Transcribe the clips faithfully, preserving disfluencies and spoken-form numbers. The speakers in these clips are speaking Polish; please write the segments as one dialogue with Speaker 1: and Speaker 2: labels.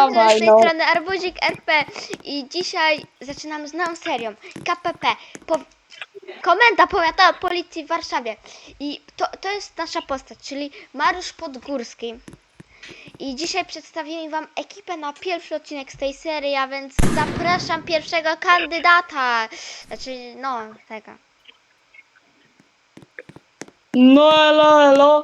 Speaker 1: Dawaj,
Speaker 2: z tej
Speaker 1: no.
Speaker 2: strony Arbuzik R P i dzisiaj zaczynamy z nową serią K P P. Po... Komenda powiatowa policji w Warszawie. I to, to jest nasza postać, czyli Mariusz Podgórski. I dzisiaj przedstawimy wam ekipę na pierwszy odcinek z tej serii, a więc zapraszam pierwszego kandydata. Znaczy, no, tego.
Speaker 1: No elo, elo.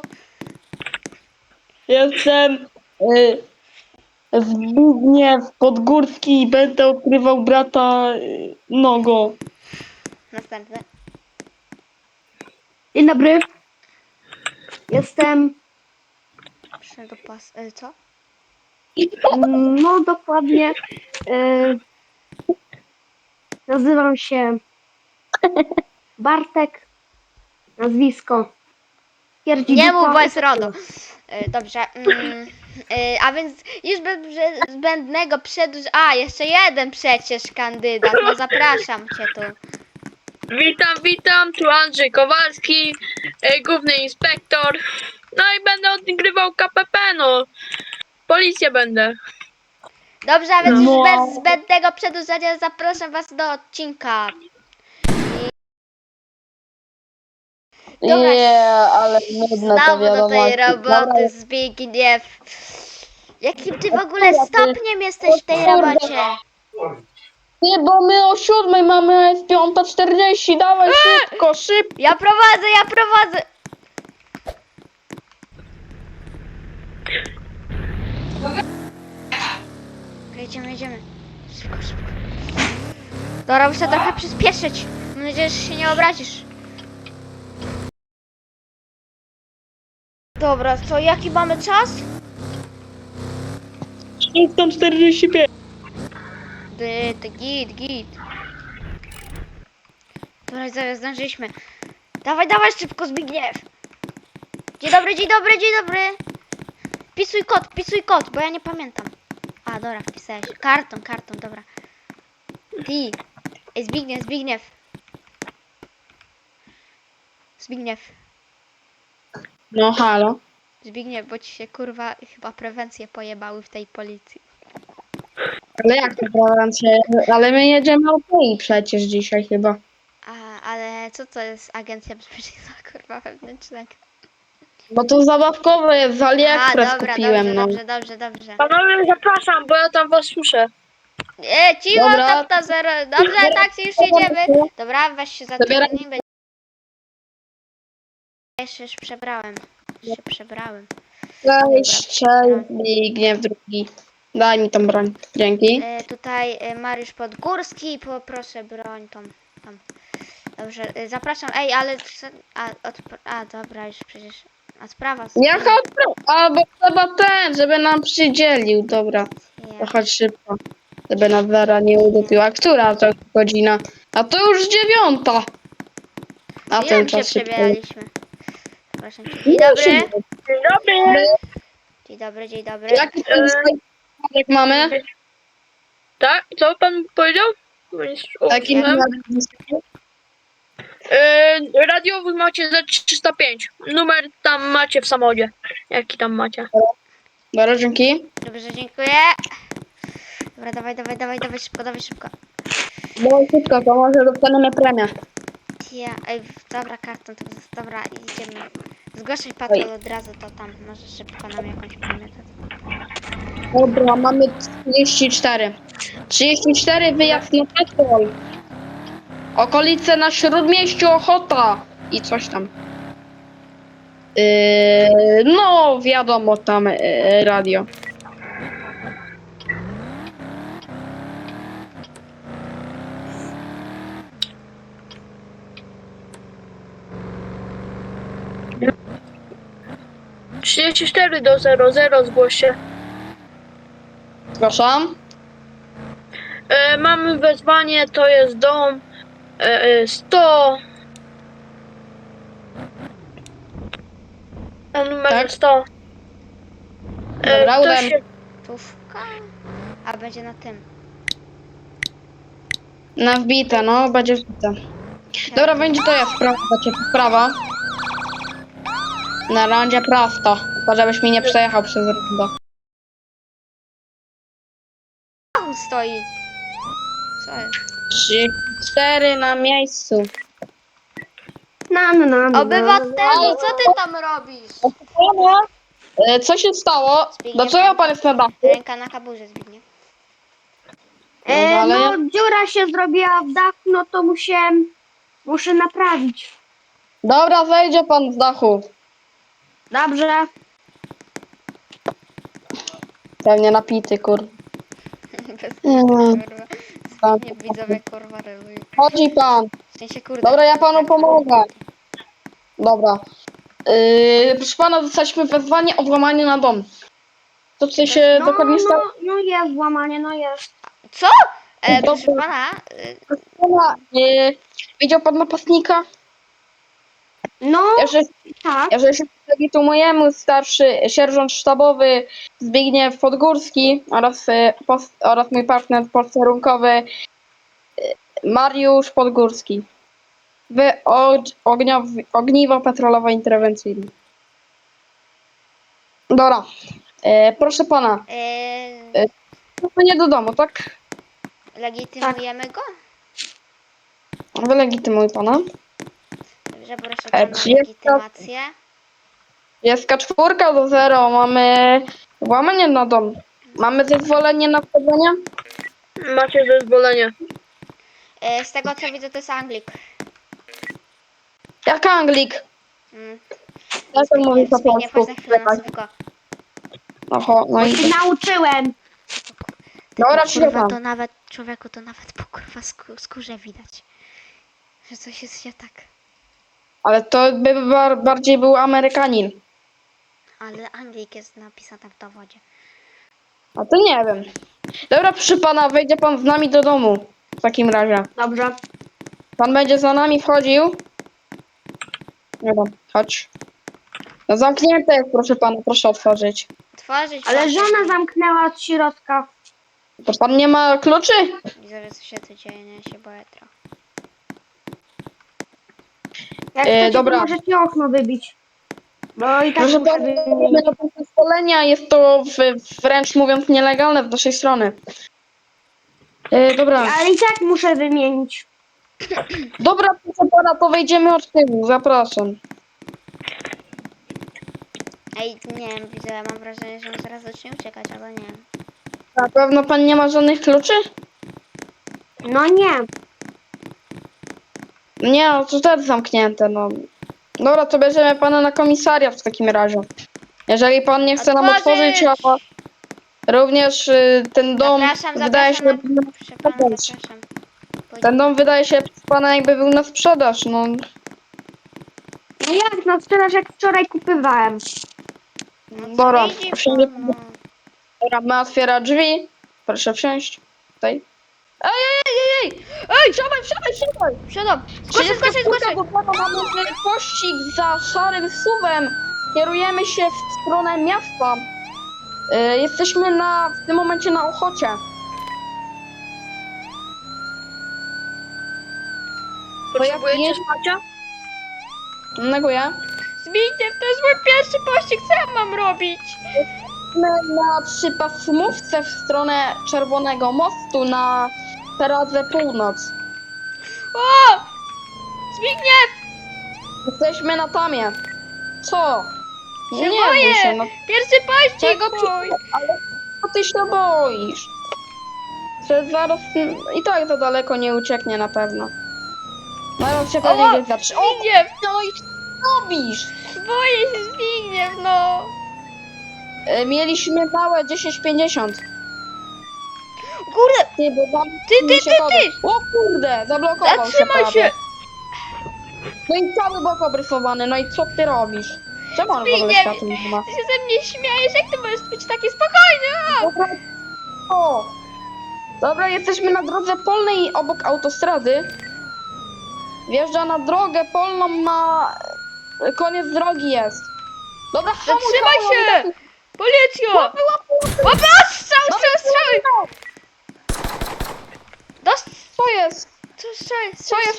Speaker 1: Jestem y, Zbigniew Podgórski i będę ukrywał brata y, Nogo.
Speaker 2: Następny.
Speaker 3: Dzień dobry. Jestem,
Speaker 2: Proszę do pas... y, co?
Speaker 3: mm, no dokładnie, y, nazywam się Bartek, nazwisko Pierdzidupa.
Speaker 2: Nie mów, bo jest RODO. E, Dobrze. Mm, e, a więc już bez zbędnego przedłuż... A, jeszcze jeden przecież kandydat. No zapraszam cię tu.
Speaker 4: Witam, witam, tu Andrzej Kowalski, e, główny inspektor. No i będę odgrywał K P P, no. Policję będę.
Speaker 2: Dobrze, a więc już
Speaker 1: No.
Speaker 2: bez zbędnego przedłużania zapraszam was do odcinka. Dobra.
Speaker 1: Nie, ale nudna ta
Speaker 2: Znowu do
Speaker 1: wiadomość.
Speaker 2: tej roboty, Zbigniew. Jakim ty w ogóle stopniem jesteś w tej robocie?
Speaker 1: Nie, bo my o siódmej mamy, a jest piąta czterdzieści. Dawaj szybko, szybko.
Speaker 2: Ja prowadzę, ja prowadzę. Okej, jedziemy, jedziemy. Szybko, szybko. Dobra, muszę trochę przyspieszyć. Mam nadzieję, że się nie obrazisz. Dobra, co, jaki mamy czas?
Speaker 1: szósta czterdzieści pięć.
Speaker 2: Dy, dy, git, git. Dobra, zaraz zdążyliśmy. Dawaj, dawaj szybko, Zbigniew. Dzień dobry, dzień dobry, dzień dobry. Wpisuj kod, wpisuj kod, bo ja nie pamiętam. A, dobra, wpisałeś. Karton, karton, dobra. Ty. Ej, Zbigniew, Zbigniew. Zbigniew.
Speaker 1: No halo.
Speaker 2: Zbigniew, bo ci się kurwa chyba prewencje pojebały w tej policji.
Speaker 1: Ale jak to prewencja? Ale my jedziemy o tej przecież dzisiaj chyba.
Speaker 2: A, ale co to jest Agencja Bezpieczeństwa kurwa wewnętrznego?
Speaker 1: Bo to zabawkowe jest, z
Speaker 2: A,
Speaker 1: AliExpress
Speaker 2: dobra,
Speaker 1: kupiłem,
Speaker 2: dobrze,
Speaker 1: no.
Speaker 2: dobrze, dobrze, dobrze.
Speaker 4: Panowie, zapraszam, bo ja tam was słyszę.
Speaker 2: E, cicho,
Speaker 1: Dobra.
Speaker 2: tap, to zero. Dobrze, tak, już jedziemy. Dobra, weź się za
Speaker 1: Zabieram.
Speaker 2: nie Jeszcze już przebrałem. Już się przebrałem.
Speaker 1: Cześć, cześć, Zbigniew drugi. Daj mi tą broń. Dzięki.
Speaker 2: E, tutaj e, Mariusz Podgórski, poproszę broń tą. Tam. Dobrze, e, zapraszam. Ej, ale... co- A, od, a dobra, już przecież... A sprawa...
Speaker 1: Jaka A, bo trzeba ten, żeby nam przydzielił. Dobra, to
Speaker 2: Ja.
Speaker 1: chodź szybko. Żeby nas Wera nie udupiła. Która to godzina? A to już dziewiąta. A
Speaker 2: Ile my się
Speaker 1: czas szybko.
Speaker 2: przebieraliśmy? Proszę cię. Dzień dobry.
Speaker 4: Dzień dobry.
Speaker 2: Dzień dobry, dzień dobry.
Speaker 1: Jaki to jest jak mamy?
Speaker 4: Tak, co pan powiedział? Bo nie słyszałem.
Speaker 1: Jaki
Speaker 2: jak-
Speaker 1: mamy?
Speaker 4: E, radiowóz macie za trzysta pięć. Numer tam macie w samochodzie. Jaki tam macie?
Speaker 1: Dobra, dzięki.
Speaker 2: Dobrze, dziękuję. Dobra, dawaj, dawaj, dawaj, dawaj szybko, dawaj szybko.
Speaker 1: Dawaj szybko, to może dostaniemy premię.
Speaker 2: Ja, ej, dobra, karton, to jest, dobra, idziemy. Zgłaszaj patrol od razu, to tam, może szybko nam jakąś premię dadzą.
Speaker 1: Dobra, mamy trzydzieści cztery. trzydzieści cztery wyjazd na patrol. Okolice na Śródmieściu, Ochota i coś tam. Yy, no, wiadomo, tam yy, radio.
Speaker 4: trzydzieści cztery do zero zero zgłoś się.
Speaker 1: Przepraszam.
Speaker 4: E, mamy wezwanie, to jest dom e, e, sto. A numer
Speaker 1: Tak.
Speaker 4: sto. E,
Speaker 1: Dobra,
Speaker 4: to
Speaker 1: udałem.
Speaker 4: się,
Speaker 2: Tówka? A, będzie na tym.
Speaker 1: Na wbite, no, będzie wbite. Dobra, będzie to jest prawa, będzie prawa. Na rondzie prosto. Tylko żebyś mi nie przejechał przez rondo.
Speaker 2: samochód stoi. Co jest?
Speaker 1: trzydzieści cztery na miejscu.
Speaker 3: No, no, no, no.
Speaker 2: Obywatelu, co ty tam robisz?
Speaker 1: Pana, e, co się stało?
Speaker 2: Zbigniew,
Speaker 1: Dlaczego pan jest na dachu?
Speaker 2: Ręka na kaburze, Zbigniew.
Speaker 3: E,
Speaker 1: No, ale
Speaker 3: no,
Speaker 1: ja-
Speaker 3: dziura się zrobiła w dachu, no to muszę, muszę naprawić.
Speaker 1: Dobra, zejdzie pan z dachu.
Speaker 3: Dobrze.
Speaker 1: Pewnie napity, kur.
Speaker 2: Bez
Speaker 1: Mm.
Speaker 2: kurwa.
Speaker 1: Tak.
Speaker 2: Nie widzowie kurwa relują.
Speaker 1: Chodzi pan.
Speaker 2: W sensie kurde.
Speaker 1: Dobra, ja panu
Speaker 2: tak,
Speaker 1: pomogę. Dobra. Yy, proszę pana, dostaliśmy wezwanie o włamanie na dom. To co się
Speaker 3: No,
Speaker 1: dokładnie stało?
Speaker 3: no, no jest włamanie, no jest.
Speaker 2: Co? E,
Speaker 1: Dobra.
Speaker 2: proszę pana, y,
Speaker 1: Proszę pana, yy, widział pan napastnika?
Speaker 3: No,
Speaker 1: Jeżeli,
Speaker 3: tak.
Speaker 1: jeżeli się legitymujemy, starszy sierżant sztabowy Zbigniew Podgórski oraz, yy, pos, oraz mój partner posterunkowy yy, Mariusz Podgórski. W og- ogniow- ogniwo petrolowo-interwencyjne. Dobra. E, proszę pana,
Speaker 2: y,
Speaker 1: to nie do domu, tak?
Speaker 2: legitymujemy go?
Speaker 1: Wylegitymuj pana.
Speaker 2: Dobrze, proszę
Speaker 1: E,
Speaker 2: pana,
Speaker 1: trzydzieści
Speaker 2: legitymację.
Speaker 1: Jest czwórka do zero, mamy włamanie na dom. Mamy zezwolenie na wchodzenie?
Speaker 4: Macie zezwolenie.
Speaker 2: E, z tego co widzę, to jest Anglik.
Speaker 1: Jak Anglik?
Speaker 2: Mm.
Speaker 1: Jak on mówi po
Speaker 2: Zbigniew, chodź
Speaker 1: polsku?
Speaker 2: na chwilę na słówko.
Speaker 1: Oho, no
Speaker 3: Bo
Speaker 1: i...
Speaker 3: się nauczyłem.
Speaker 1: Dobra,
Speaker 2: Kurwa,
Speaker 1: przyjechał.
Speaker 2: to nawet, człowieku, to nawet po kurwa skó- skórze widać, że coś jest nie tak.
Speaker 1: Ale to by bar bardziej był Amerykanin.
Speaker 2: Ale Anglik jest napisany w dowodzie.
Speaker 1: A to nie wiem. Dobra, proszę pana, wejdzie pan z nami do domu. W takim razie.
Speaker 3: Dobrze.
Speaker 1: Pan będzie za nami wchodził? Nie wiem, chodź. No zamknięte jest, proszę pana, proszę otworzyć.
Speaker 2: Tworzyć.
Speaker 3: Ale
Speaker 2: pan-
Speaker 3: żona zamknęła od środka.
Speaker 1: To pan nie ma kluczy?
Speaker 2: Widzowie, co się tu dzieje, nie się boję trochę.
Speaker 3: Jak
Speaker 1: E,
Speaker 3: chcecie,
Speaker 1: dobra.
Speaker 3: to możecie okno wybić. Bo i tak
Speaker 1: Proszę
Speaker 3: muszę
Speaker 1: pana,
Speaker 3: wymienić.
Speaker 1: na to zezwolenia jest to w, wręcz mówiąc nielegalne z naszej strony. E, dobra,
Speaker 3: Ale i tak muszę wymienić.
Speaker 1: dobra, proszę pana, to wejdziemy od tyłu, zapraszam.
Speaker 2: Ej, nie wiem, widzowie, mam wrażenie, że on zaraz zacznie uciekać, ale nie wiem.
Speaker 1: Na pewno pan nie ma żadnych kluczy?
Speaker 3: No nie.
Speaker 1: Nie, no to też zamknięte, no. Dobra, to bierzemy pana na komisariat w takim razie. Jeżeli pan nie chce nam
Speaker 2: Otworzyć!
Speaker 1: otworzyć, a również y, ten dom
Speaker 2: Zapraszam,
Speaker 1: wydaje się...
Speaker 2: zapraszam na... Proszę pana,
Speaker 1: Chodź.
Speaker 2: zapraszam.
Speaker 1: Ten dom wydaje się przez pana jakby był na sprzedaż, no.
Speaker 3: No jak, no sprzedaż jak wczoraj kupywałem.
Speaker 2: No co
Speaker 1: Dobra,
Speaker 2: widzi
Speaker 1: wsiądzie
Speaker 2: pan, no.
Speaker 1: Dobra, ma otwiera drzwi. Proszę wsiąść. Tutaj. Ej, ej, ej, ej! Ej, wsiadaj, wsiadaj, wsiadaj!
Speaker 2: Siadam! Zgłaszaj, zgłaszaj, zgłaszaj!
Speaker 1: Bo pana mamy pościg za szarym suwem. Kierujemy się w stronę miasta. Y, jesteśmy na, w tym momencie na Ochocie.
Speaker 4: Potrzebujecie
Speaker 1: jedź-
Speaker 4: wsparcia?
Speaker 1: Neguję.
Speaker 2: Zbigniew, to jest mój pierwszy pościg, co ja mam robić?
Speaker 1: Jesteśmy na trzypasmówce w stronę Czerwonego Mostu na Peradze Północ.
Speaker 2: O! Zbigniew!
Speaker 1: Jesteśmy na Tamie. Co?
Speaker 2: Się
Speaker 1: nie
Speaker 2: boję.
Speaker 1: bój się, no
Speaker 2: Pierwszy pościg
Speaker 1: czego
Speaker 2: mój!
Speaker 1: ty, ale co ty się boisz? Że zaraz i tak za daleko nie ucieknie na pewno. Zaraz się pewnie
Speaker 2: Oła,
Speaker 1: gdzieś zatrzyma. O,
Speaker 2: Zbigniew!
Speaker 1: no i co robisz?
Speaker 2: Boję się, Zbigniew, no!
Speaker 1: E, Mieliśmy małe dziesięć pięćdziesiąt.
Speaker 2: Kurde!
Speaker 1: Ty, bo tam
Speaker 2: Ty, ty,
Speaker 1: mi się
Speaker 2: ty,
Speaker 1: kodek-
Speaker 2: ty!
Speaker 1: O kurde, zablokował
Speaker 2: Zatrzymaj
Speaker 1: się.
Speaker 2: się!
Speaker 1: prawie. No i cały bok obrysowany, no i co ty robisz? Czemu on w ogóle
Speaker 2: Zbigniew,
Speaker 1: światło nie ma?
Speaker 2: Ty się ze mnie śmiejesz, jak ty możesz być taki spokojny? A!
Speaker 1: Dobra. O! Dobra, jesteśmy na drodze polnej obok autostrady. Wjeżdża na drogę polną, ma... Koniec drogi jest. Dobra, hamuj,
Speaker 2: Zatrzymaj
Speaker 1: hamuj,
Speaker 2: się!
Speaker 1: hamuj.
Speaker 2: Policjo!
Speaker 1: Łapy, łapy, łapy.
Speaker 2: Łapy, ostrzał,
Speaker 1: Dobra,
Speaker 2: strzał, strzały!
Speaker 1: no.
Speaker 2: Dost...
Speaker 1: Co jest?
Speaker 2: Co strzały?
Speaker 1: Co jest?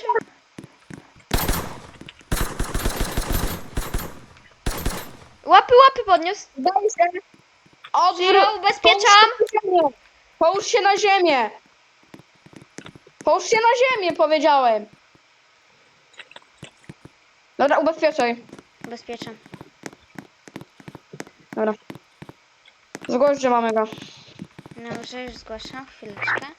Speaker 2: Łapy, łapy podniósł.
Speaker 1: Daj się. Odwróć.
Speaker 2: Ja ubezpieczam.
Speaker 1: Połóż się na ziemię! Połóż się na ziemię, powiedziałem! Dobra, ubezpieczaj.
Speaker 2: Ubezpieczam.
Speaker 1: Dobra. Zgłoś, że mamy go.
Speaker 2: Dobrze, już zgłaszam. Chwileczkę.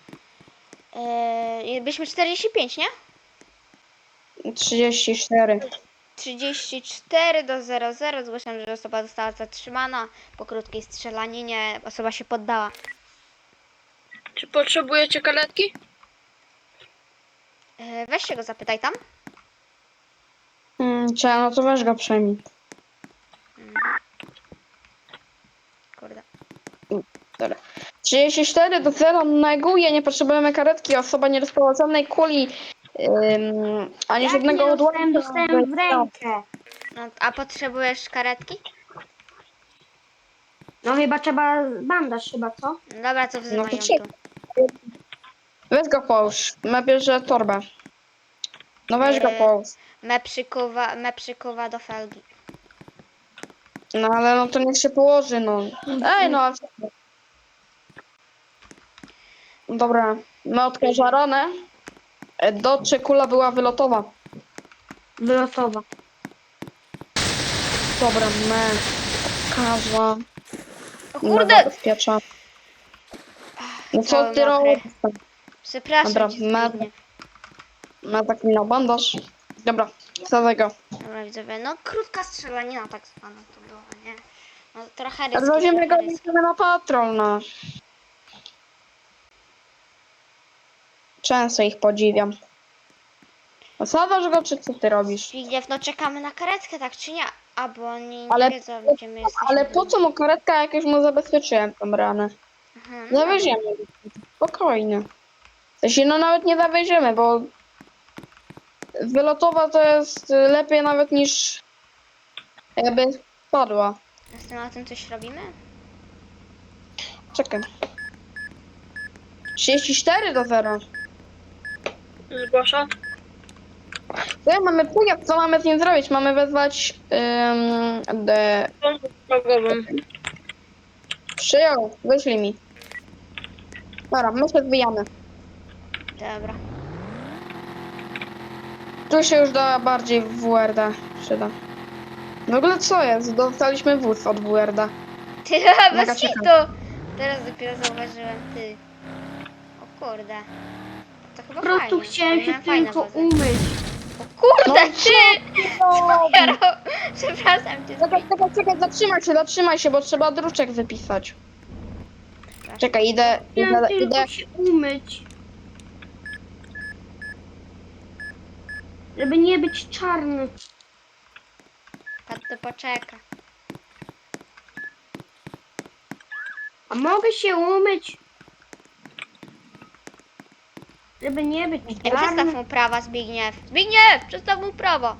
Speaker 2: Eee, byliśmy czterdzieści pięć, nie?
Speaker 1: trzydzieści cztery.
Speaker 2: trzydzieści cztery do zero zero. Zgłaszam, że osoba została zatrzymana. Po krótkiej strzelaninie osoba się poddała.
Speaker 4: Czy potrzebujecie karetki?
Speaker 2: Eee, weź się go zapytaj tam.
Speaker 1: Hmm, trzeba, no to weź go przejmij.
Speaker 2: Kurde.
Speaker 1: Dobra. trzydzieści cztery do zera neguje, nie potrzebujemy karetki, osoba nie dostała żadnej kuli, ym, ani
Speaker 3: Jak
Speaker 1: żadnego
Speaker 3: nie dostałem,
Speaker 1: odłamka.
Speaker 3: dostałem w rękę.
Speaker 2: No, a potrzebujesz karetki?
Speaker 3: No chyba trzeba bandaż chyba, co?
Speaker 2: No dobra, co wzywają
Speaker 1: No to
Speaker 2: tu?
Speaker 1: czekaj. Weź go połóż, ma bierze torbę. No weź go
Speaker 2: Yy.
Speaker 1: połóż.
Speaker 2: Me przykuwa, me przykuwa do felgi.
Speaker 1: No ale no to niech się położy, no. Ej, no ale... Dobra, my odkaża ranę. E, Do czy kula była wylotowa.
Speaker 3: Wylosowa.
Speaker 1: Dobra, me odkaża.
Speaker 2: O
Speaker 1: Me
Speaker 2: kurde!
Speaker 1: zabezpiecza. No co
Speaker 2: Cały
Speaker 1: ty
Speaker 2: mokry.
Speaker 1: robisz?
Speaker 2: Przepraszam
Speaker 1: Dobra,
Speaker 2: cię,
Speaker 1: me-
Speaker 2: Zbigniew.
Speaker 1: Ma taki na bandaż. Dobra, wsadzę go.
Speaker 2: Dobra, widzowie, no krótka strzelanina tak zwana to była, nie? No trochę
Speaker 1: Ale
Speaker 2: ryski,
Speaker 1: weźmiemy go
Speaker 2: trochę ryski.
Speaker 1: na patrol, no. Często ich podziwiam. Osadzasz go, czy co ty robisz?
Speaker 2: Zbigniew, no czekamy na karetkę, tak czy nie? A, bo oni nie
Speaker 1: Ale-
Speaker 2: wiedzą, gdzie my jesteśmy.
Speaker 1: Ale po co mu karetka, jak już mu zabezpieczyłem tą ranę?
Speaker 2: Aha, no dobra.
Speaker 1: Zawieziemy go. Spokojnie. W sensie, no nawet nie zawieziemy, bo wylotowa to jest lepiej nawet niż jakby spadła.
Speaker 2: A z tym o tym coś robimy?
Speaker 1: Czekaj. trzydzieści cztery do zera.
Speaker 4: Zgłaszam.
Speaker 1: Co ja mamy pojazd, co mamy z nim zrobić? Mamy wezwać ym, de...
Speaker 4: Pomóc drogową.
Speaker 1: Przyjął, wyślij mi. Dobra, my się zbijamy.
Speaker 2: Dobra.
Speaker 1: Tu się już da bardziej W R D przyda. W ogóle co jest? Dostaliśmy wóz od W R D.
Speaker 2: Ty,
Speaker 1: Mega
Speaker 2: bez
Speaker 1: ciekawe.
Speaker 2: hitu! Teraz dopiero zauważyłem, ty. O kurde. To chyba
Speaker 3: Po prostu
Speaker 2: fajnie.
Speaker 3: chciałem
Speaker 2: Oni
Speaker 3: się
Speaker 2: mają fajne
Speaker 3: tylko
Speaker 2: wozy.
Speaker 3: umyć.
Speaker 2: O kurde,
Speaker 1: No
Speaker 2: ty!
Speaker 1: No,
Speaker 2: Ja ro... Przepraszam cię.
Speaker 1: czekaj, czekaj, czekaj, zatrzymaj się, zatrzymaj się, bo trzeba druczek wypisać. Czekaj, idę,
Speaker 3: Chciałem
Speaker 1: idę,
Speaker 3: tylko
Speaker 1: idę.
Speaker 3: się umyć. Żeby nie być czarny.
Speaker 2: Pat to poczeka.
Speaker 3: A mogę się umyć? Żeby nie być
Speaker 2: Ej, przestaw
Speaker 3: czarny.
Speaker 2: mu prawa, Zbigniew. Zbigniew! Przestaw mu prawo.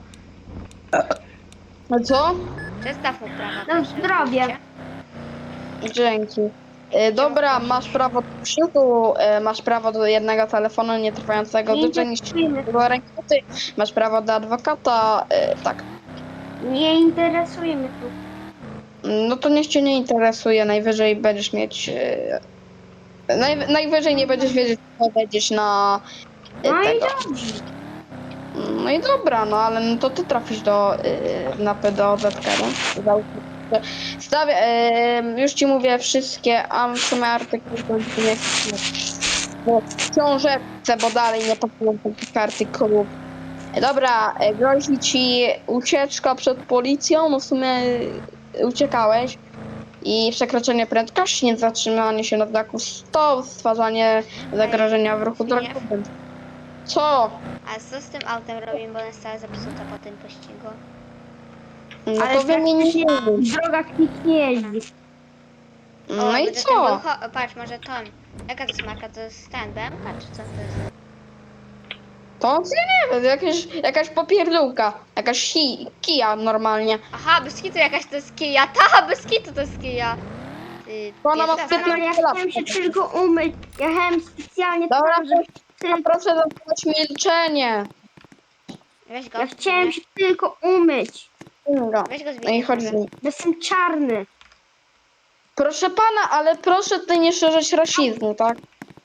Speaker 1: No co?
Speaker 2: Przestaw mu prawa.
Speaker 3: Na
Speaker 2: proszę,
Speaker 3: zdrowie.
Speaker 2: widzicie?
Speaker 1: Dzięki. E, dobra, masz prawo do krzyku, e, masz prawo do jednego telefonu nietrwającego
Speaker 3: Nie
Speaker 1: dłużej niż
Speaker 3: interesuje mnie,
Speaker 1: do rękoty, masz prawo do adwokata, e, tak.
Speaker 3: nie interesuje mnie tu.
Speaker 1: No to niech cię nie interesuje, najwyżej będziesz mieć... E, naj, najwyżej nie będziesz wiedzieć, co będziesz na e,
Speaker 3: No i
Speaker 1: tego.
Speaker 3: dobrze.
Speaker 1: No i dobra, no ale no to ty trafisz do, y, na P D O Z K, no. Załóżmy, że Stawię, y, już ci mówię wszystkie, a w sumie artykuły to nie jest bo w książeczce, bo dalej nie pasują takich artykułów. Dobra, y, grozi ci ucieczka przed policją, no w sumie y, uciekałeś. I przekroczenie prędkości, niezatrzymanie się na znaku stop, stwarzanie zagrożenia w ruchu
Speaker 2: Zbigniew?
Speaker 1: drogowym. Co?
Speaker 2: A co z tym autem robimy, bo on jest cała zepsuta po tym pościgu?
Speaker 1: No
Speaker 3: Ale
Speaker 1: to wymienimy.
Speaker 3: W drogach nikt nie jeździ.
Speaker 1: No
Speaker 2: O,
Speaker 1: i
Speaker 2: będzie
Speaker 1: co?
Speaker 2: ten Volho- Patrz, może to. Jaka to jest marka? To jest ten B M K, czy co to jest?
Speaker 1: To ja nie wiem, jakieś, jakaś popierdółka, jakaś hi, kija normalnie.
Speaker 2: Aha, bez kitu jakaś to jest kija. Ta, bez kitu to jest kija. Ty,
Speaker 1: To ona ma
Speaker 2: pierwszy raz
Speaker 1: sprytne-
Speaker 3: Ale ja chciałem się tylko umyć. Jechałem specjalnie
Speaker 1: Dobra,
Speaker 3: tam, żeby
Speaker 1: A
Speaker 3: tylko...
Speaker 1: proszę zachować milczenie.
Speaker 2: Weź go.
Speaker 3: Ja chciałem się tylko umyć.
Speaker 1: Ingo.
Speaker 2: Weź go
Speaker 1: No i
Speaker 2: Zbigniew.
Speaker 1: chodź z
Speaker 2: może.
Speaker 1: nim.
Speaker 3: Bo jestem czarny.
Speaker 1: Proszę pana, ale proszę tutaj nie szerzyć rasizmu, tak?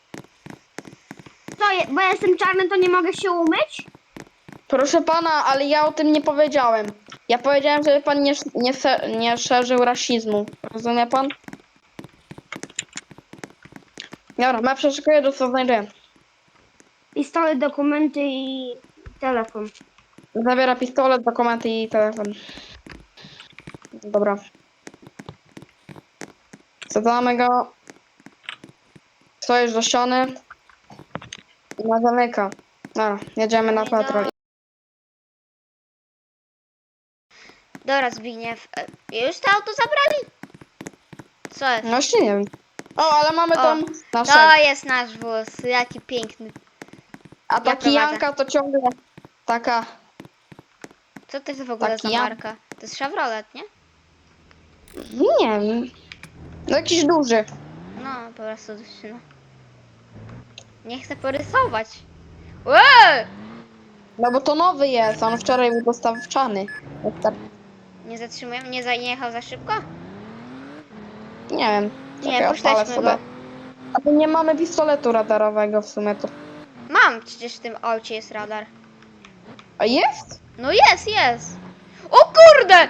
Speaker 3: Co, je- bo ja jestem czarny, to nie mogę się umyć?
Speaker 1: Proszę pana, ale ja o tym nie powiedziałem. Ja powiedziałem, żeby pan nie, nie, se- nie szerzył rasizmu. Rozumie pan? Dobra, ja przeszukuję, do co znajduję.
Speaker 3: Pistolet, dokumenty i telefon.
Speaker 1: Zabiera pistolet, dokumenty i telefon. Dobra. Wsadzamy go. Stoisz do ściany. I ma zamyka. Dobra, jedziemy na
Speaker 2: No i do-
Speaker 1: patrol.
Speaker 2: Dobra, Zbigniew. e, Już to auto zabrali? Co jest?
Speaker 1: No właśnie nie wiem. O, ale mamy
Speaker 2: O,
Speaker 1: tam nasze.
Speaker 2: To jest nasz wóz. Jaki piękny.
Speaker 1: A
Speaker 2: ja
Speaker 1: ta
Speaker 2: prowadzę.
Speaker 1: kijanka to ciągle taka.
Speaker 2: Co to jest w ogóle
Speaker 1: Taki
Speaker 2: za
Speaker 1: ja-
Speaker 2: marka? To jest Chevrolet, nie?
Speaker 1: Nie wiem. No jakiś duży.
Speaker 2: No, po prostu no. Nie chcę porysować. Ue!
Speaker 1: No bo to nowy jest, on wczoraj był dostawczany. Tak,
Speaker 2: Nie zatrzymujemy? Nie, za, nie jechał za szybko?
Speaker 1: nie wiem.
Speaker 2: Nie,
Speaker 1: Czekaj, odpalę
Speaker 2: puszczaliśmy go.
Speaker 1: Ale nie mamy pistoletu radarowego w sumie to.
Speaker 2: Mam, przecież w tym aucie jest radar.
Speaker 1: A jest?
Speaker 2: No jest, jest. O kurde!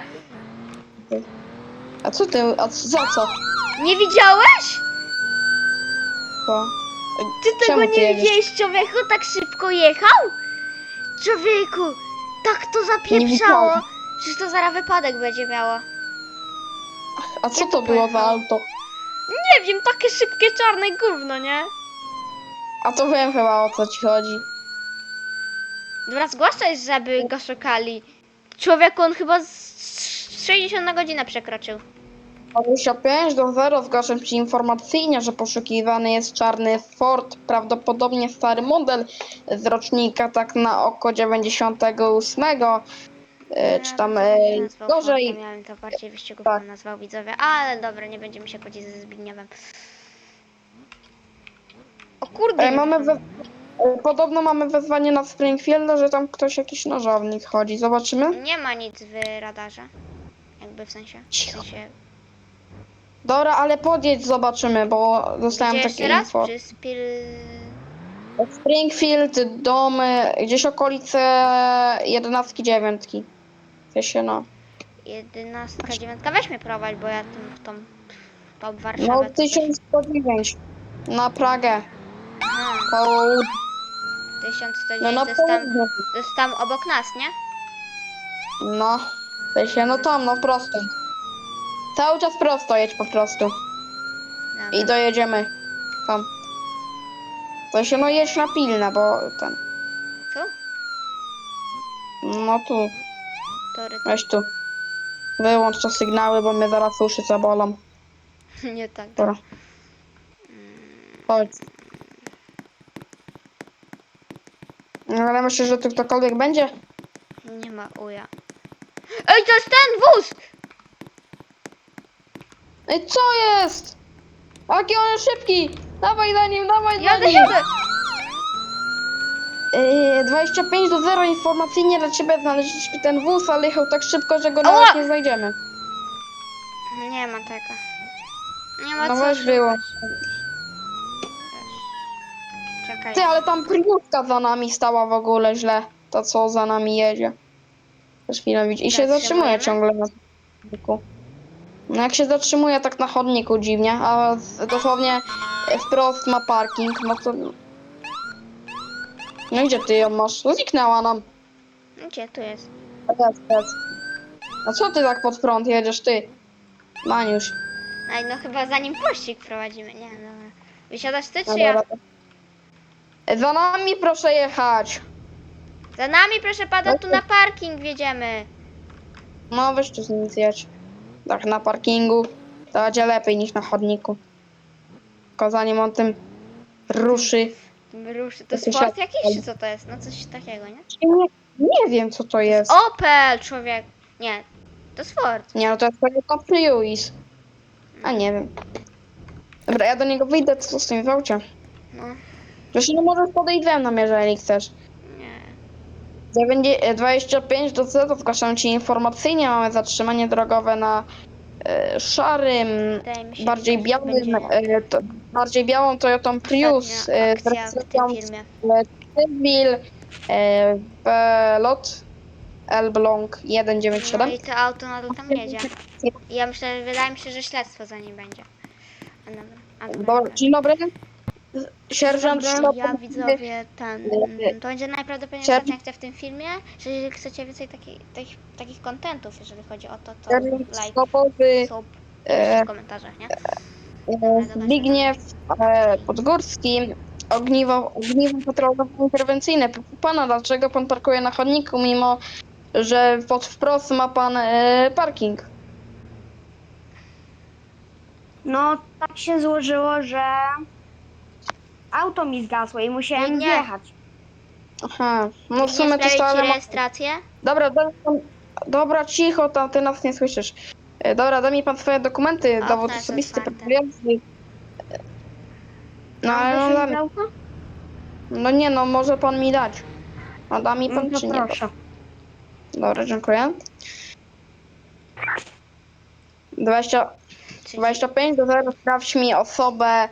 Speaker 1: A co ty, a c- za co?
Speaker 2: Nie widziałeś?
Speaker 1: To?
Speaker 2: Ty tego
Speaker 1: Czemu ty
Speaker 2: nie
Speaker 1: jedziesz?
Speaker 2: widziałeś, człowieku? Tak szybko jechał? Człowieku, tak to zapieprzało.
Speaker 1: widziałem.
Speaker 2: Przecież to zaraz wypadek będzie miało.
Speaker 1: A co
Speaker 2: Jak
Speaker 1: to
Speaker 2: to
Speaker 1: było za
Speaker 2: pojechał?
Speaker 1: auto?
Speaker 2: Nie wiem, takie szybkie czarne gówno, nie?
Speaker 1: A to wiem chyba, o co ci chodzi.
Speaker 2: Dobra, zgłaszaj, żeby go szukali. Człowieku, on chyba z sześćdziesiąt na godzinę przekroczył.
Speaker 1: dwadzieścia pięć do zera zgłaszam ci informacyjnie, że poszukiwany jest czarny Ford, prawdopodobnie stary model z rocznika tak na oko dziewięćdziesiątego ósmego. E, czy tam e,
Speaker 2: Ja bym to nie nazwał
Speaker 1: gorzej.
Speaker 2: Fordem, Ja bym to bardziej wyścigowym
Speaker 1: Tak.
Speaker 2: nazwał widzowie, ale dobra, nie będziemy się kłócić ze Zbigniewem. O kurde!
Speaker 1: E, mamy we, e, podobno mamy wezwanie na Springfielda, że tam ktoś jakiś nożownik chodzi. Zobaczymy.
Speaker 2: Nie ma nic w radarze. Jakby w sensie. W
Speaker 1: Cicho.
Speaker 2: sensie.
Speaker 1: Dobra, ale podjedź, zobaczymy, bo dostałem
Speaker 2: Gdzie
Speaker 1: takie
Speaker 2: jeszcze raz?
Speaker 1: info.
Speaker 2: Przy Spir...
Speaker 1: Springfield, domy, gdzieś okolice jedenastki, dziewiątki. W się no.
Speaker 2: jedenastka, dziewiątka. Weź mnie prowadź, bo ja tym, tą, tą Warszawę...
Speaker 1: No
Speaker 2: to też-
Speaker 1: tysiąc sto dziewięć. Na Pragę.
Speaker 2: Aha,
Speaker 1: Po,
Speaker 2: tysiąc sto
Speaker 1: no
Speaker 2: dziewięć,
Speaker 1: na
Speaker 2: to, jest tam,
Speaker 1: południe.
Speaker 2: to jest tam obok nas, nie?
Speaker 1: No. W się no tam, no prosto. Cały czas prosto jedź po prostu.
Speaker 2: Dobra.
Speaker 1: I dojedziemy. Tam. To się no jedź na pilne, bo ten.
Speaker 2: Tu?
Speaker 1: No tu.
Speaker 2: Tory.
Speaker 1: Weź tu. Wyłącz te sygnały, bo mnie zaraz uszy zabolą.
Speaker 2: Nie tak.
Speaker 1: Dobra. Chodź. No, ale myślę, że tu ktokolwiek będzie?
Speaker 2: Nie ma uja. Ej, to jest ten wóz!
Speaker 1: Ej, co jest? Jaki on jest szybki! Dawaj za nim, dawaj za
Speaker 2: Jadę,
Speaker 1: nim!
Speaker 2: jadę!
Speaker 1: Yy, dwadzieścia pięć do zera informacyjnie dla ciebie znaleźliśmy ten wóz, ale jechał tak szybko, że go
Speaker 2: Ała!
Speaker 1: nawet nie znajdziemy.
Speaker 2: Nie ma tego. Nie ma
Speaker 1: No
Speaker 2: co
Speaker 1: weź
Speaker 2: szukać.
Speaker 1: było.
Speaker 2: Czekaj.
Speaker 1: Ty, ale tam Priuska za nami stała w ogóle źle. To co za nami jedzie. Też chwilę widzi. I się zatrzymuje
Speaker 2: Zatrzymujemy?
Speaker 1: ciągle na chodniku. No jak się zatrzymuje tak na chodniku dziwnie, a z- dosłownie wprost ma parking, no to... No i gdzie ty ją masz? Zniknęła nam.
Speaker 2: Gdzie tu jest?
Speaker 1: Jest, jest. A co ty tak pod prąd jedziesz, ty? Maniusz.
Speaker 2: Ej, no chyba zanim pościg prowadzimy. Nie, dobra. Wysiadasz ty,
Speaker 1: No
Speaker 2: czy ja?
Speaker 1: dobra. Za nami proszę jechać.
Speaker 2: Za nami, proszę pana, tu na parking wjedziemy.
Speaker 1: No weź tu z nim zjedź. Tak na parkingu. To będzie lepiej niż na chodniku. Tylko zanim on tym ruszy.
Speaker 2: Ruszy. To
Speaker 1: To się
Speaker 2: sport
Speaker 1: siad-
Speaker 2: jakiś, czy co to jest? No coś takiego, nie?
Speaker 1: Nie, nie wiem co to jest.
Speaker 2: Opel, człowiek. Nie, to sport.
Speaker 1: Nie no to jest Toyota Prius. A nie wiem. Dobra, ja do niego wyjdę, co z tym w aucie.
Speaker 2: No,
Speaker 1: Zresztą no możesz podejść ze mną, jeżeli chcesz.
Speaker 2: nie.
Speaker 1: dziewięć- dwadzieścia pięć do zera zgłaszam ci informacyjnie. Mamy zatrzymanie drogowe na e, szarym,
Speaker 2: Wydaje mi się,
Speaker 1: bardziej
Speaker 2: że
Speaker 1: białym,
Speaker 2: będzie
Speaker 1: e, to, bardziej białą Toyotą Prius
Speaker 2: ostatnia
Speaker 1: e, z
Speaker 2: akcja w tym
Speaker 1: rejestracją
Speaker 2: filmie.
Speaker 1: Civil e, Belot Elbląg jeden dziewięć
Speaker 2: No
Speaker 1: siedem.
Speaker 2: i to auto nadal tam jedzie. I ja myślę, wydaje mi się, że śledztwo za nim będzie. A dobra, a dobra,
Speaker 1: Dobra,
Speaker 2: dobra.
Speaker 1: dzień dobry. Sierżant
Speaker 3: Dzień
Speaker 1: sztabowy.
Speaker 2: Ja widzowie ten. mm, To będzie najprawdopodobniej
Speaker 1: Sierżant-
Speaker 2: ostatnia akcja w tym filmie. Że jeżeli chcecie więcej takich, takich, takich contentów, jeżeli chodzi o to, to
Speaker 1: Sierżant
Speaker 2: like,
Speaker 1: sztabowy
Speaker 2: sub,
Speaker 1: e,
Speaker 2: w komentarzach, nie?
Speaker 1: e,
Speaker 2: Dobra, dodać
Speaker 1: Zbigniew e, Podgórski. Ogniwo, ogniwo patrolowo-interwencyjne. Proszę pana, dlaczego pan parkuje na chodniku, mimo że pod wprost ma pan e, parking?
Speaker 3: No, tak się złożyło, że auto mi zgasło i musiałem
Speaker 2: Nie.
Speaker 3: wjechać.
Speaker 1: Aha, no w
Speaker 2: Nie
Speaker 1: sumie to
Speaker 2: sprawić ci
Speaker 1: stale ma...
Speaker 2: rejestrację?
Speaker 1: Dobra, daj pan... Dobra, cicho, tam ty nas nie słyszysz. E, Dobra, daj mi pan swoje dokumenty,
Speaker 2: Okno
Speaker 1: dowód
Speaker 2: jest
Speaker 1: osobisty,
Speaker 2: otwarte.
Speaker 1: pracujący. No
Speaker 3: Mam
Speaker 1: ale no,
Speaker 3: wysiąść
Speaker 1: da
Speaker 3: z
Speaker 1: mi...
Speaker 3: auta?
Speaker 1: no nie no, może pan mi dać. A da mi
Speaker 3: No
Speaker 1: pan
Speaker 3: to
Speaker 1: czy nie?
Speaker 3: proszę.
Speaker 1: Dobra, dziękuję. dwadzieścia,
Speaker 2: Czy
Speaker 1: dwadzieścia pięć do zera, sprawdź mi osobę.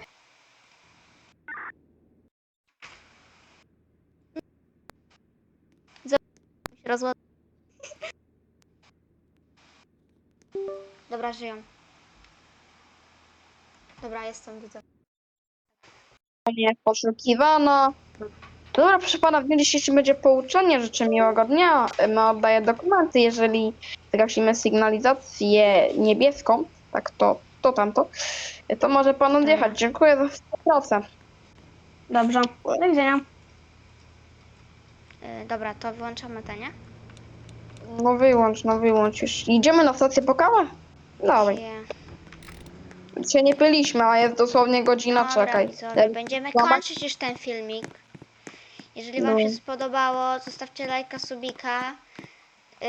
Speaker 2: rozład... Dobra, żyją. Dobra, jestem, widzę.
Speaker 1: Nie poszukiwana. Dobra, proszę pana, w dniu dzisiejszym będzie pouczenie. Życzę miłego dnia. My oddaję dokumenty. Jeżeli zgasimy sygnalizację niebieską, tak to, to tamto, to może pan odjechać. Dziękuję za współpracę.
Speaker 3: Dobrze. Do widzenia.
Speaker 2: Yy, dobra, to wyłączamy te, nie?
Speaker 1: No wyłącz, no wyłącz już. Idziemy na stację po kawę? Dawaj.
Speaker 2: Je-
Speaker 1: Się nie pyliśmy, a jest dosłownie godzina,
Speaker 2: Dobra,
Speaker 1: czekaj.
Speaker 2: widzowie, będziemy
Speaker 1: Zobacz.
Speaker 2: kończyć już ten filmik. Jeżeli wam
Speaker 1: No.
Speaker 2: się spodobało, zostawcie lajka, subika. Yy...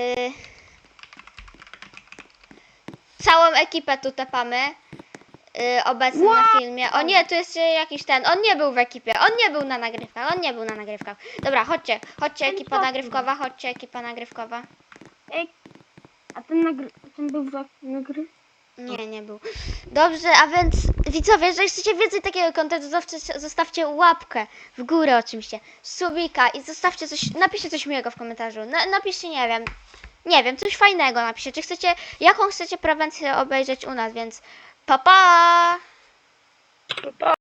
Speaker 2: Całą ekipę tu tepamy. Yy, obecny na filmie. O nie, tu jest yy, jakiś ten. On nie był w ekipie. On nie był na nagrywkach. On nie był na nagrywkach. Dobra, chodźcie. Chodźcie ekipa nagrywkowa. Chodźcie ekipa nagrywkowa.
Speaker 3: Ej, a ten, nagry... ten był w nagry...
Speaker 2: Nie, nie był. Dobrze, a więc widzowie, jeżeli chcecie więcej takiego kontentu, zostawcie, zostawcie łapkę w górę oczywiście, subika i zostawcie coś, napiszcie coś miłego w komentarzu. Na, napiszcie, nie wiem, nie wiem, coś fajnego napiszcie. Czy chcecie, jaką chcecie prewencję obejrzeć u nas, więc pa pa!
Speaker 4: Pa.